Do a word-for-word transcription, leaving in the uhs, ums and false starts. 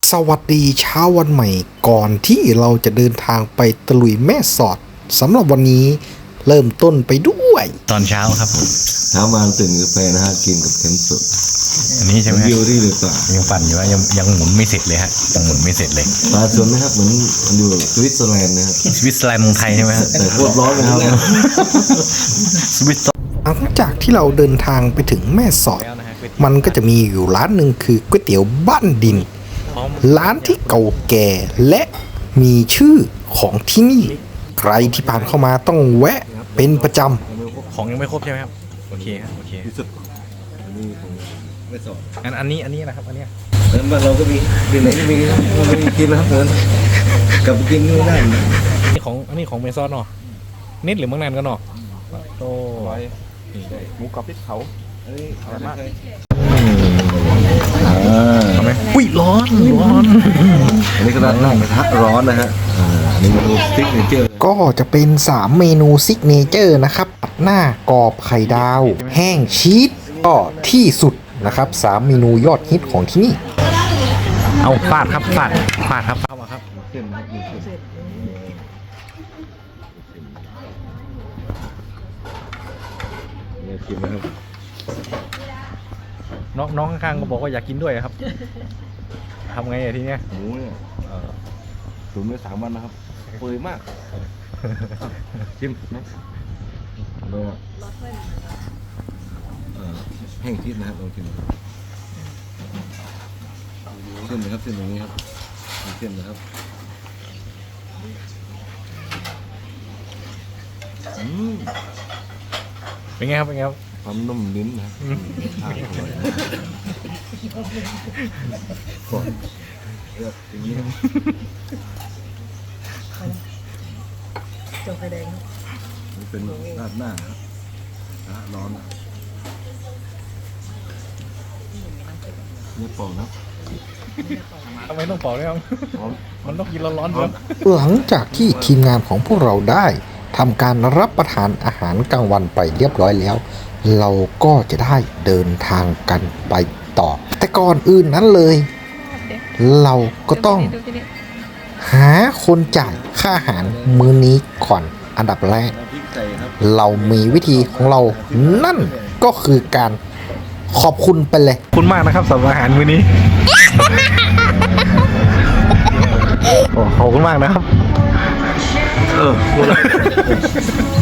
สวัสดีเช้าวันใหม่ก่อนที่เราจะเดินทางไปตะลุยแม่สอดสำหรับวันนี้เริ่มต้นไปด้วยตอนเช้าครับผมเช้ามาตื่นกาแฟนะฮะกินกับเค็มสดอันนี้ใช่ไหมวิวที่หรือเปล่ายังปั่นอยู่ว่ายังยังหมุนไม่เสร็จเลยฮะยังหมุนไม่เสร็จเลยปลาสวนนะครับเหมือนอยู่สวิตเซอร์แลนด์นะครับสวิตเซอร์แลนด์เมืองไทยใช่ไหมแต่โคตรร้อนนะครับสวิตหลังจากที่เราเดินทางไปถึงแม่สอดมันก็จะมีอยู่ร้านหนึ่งคือก๋วยเตี๋ยวบ้านดินร้านที่เก่าแก่และมีชื่อของที่นี่ใครที่ผ่านเข้ามาต้องแวะเป็นประจำของยังไม่ครบใช่ไหมครับโอเคครับโอเคที่สุดอันนี้ผมไม่สอนอันอันนี้อันนี้นะครับอันนี้แล้วบ้านเราก็มีดินไหนก็มีครับไม่กินนะครับเพื่อนกลับไปกินไม่ได้นี่ของอันนี้ของเมซอนเนาะนิดหรือเมืองนันกันเนาะโต้หมูกรอบพริกเผาอันนี้อร่อยมากทำไมอุ้ยร้อนร้อนอันนี้ก็ร้านนั่งกระทะร้อนนะฮะอันนี้เมนูซิกเนเจอร์ก็จะเป็นสามเมนูซิกเนเจอร์นะครับผัดหน้ากรอบไข่ดาวแห้งชีสก็ที่สุดนะครับสามเมนูยอดฮิตของที่นี่เอาฟาดครับฟาดฟาดครับเข้ามาครับเส้นครับมีเส้นเนี่ยกินนะครับน้องน้องข้างๆก็บอกว่าอยากกินด้วยครับทำไงอะทีเนี้ยหมูเนี่ยตุ๋นไว้สามวันนะครับเปื่อยมากชิมนะดูแห้งทิพย์นะครับลองชิมเส้นนะครับเส้นอย่างนี้ครับเส้นนะครับเป็นไงครับเป็นไงครับความนุ่มลิ้นนะครับข้าวอร่อยก่อนเลือกอย่างนี้จงไฟแดงนี่เป็นราดหน้าครับนะร้อนเนี่ยปอกนะทำไมต้องปอกด้วยครับมันต้องกินร้อนๆครับหลังจากที่ทีมงานของพวกเราได้ทำการรับประทานอาหารกลางวันไปเรียบร้อยแล้วเราก็จะได้เดินทางกันไปต่อแต่ก่อนอื่นนั้นเลยเราก็ต้องหาคนจ่ายค่าอาหารมื้อนี้ก่อนอันดับแรกเรามีวิธีของเรานั่นก็คือการขอบคุณไปเลยคุณมากนะครับสำหรับอาหารมื้อนี้ขอบคุณมากนะครับเออ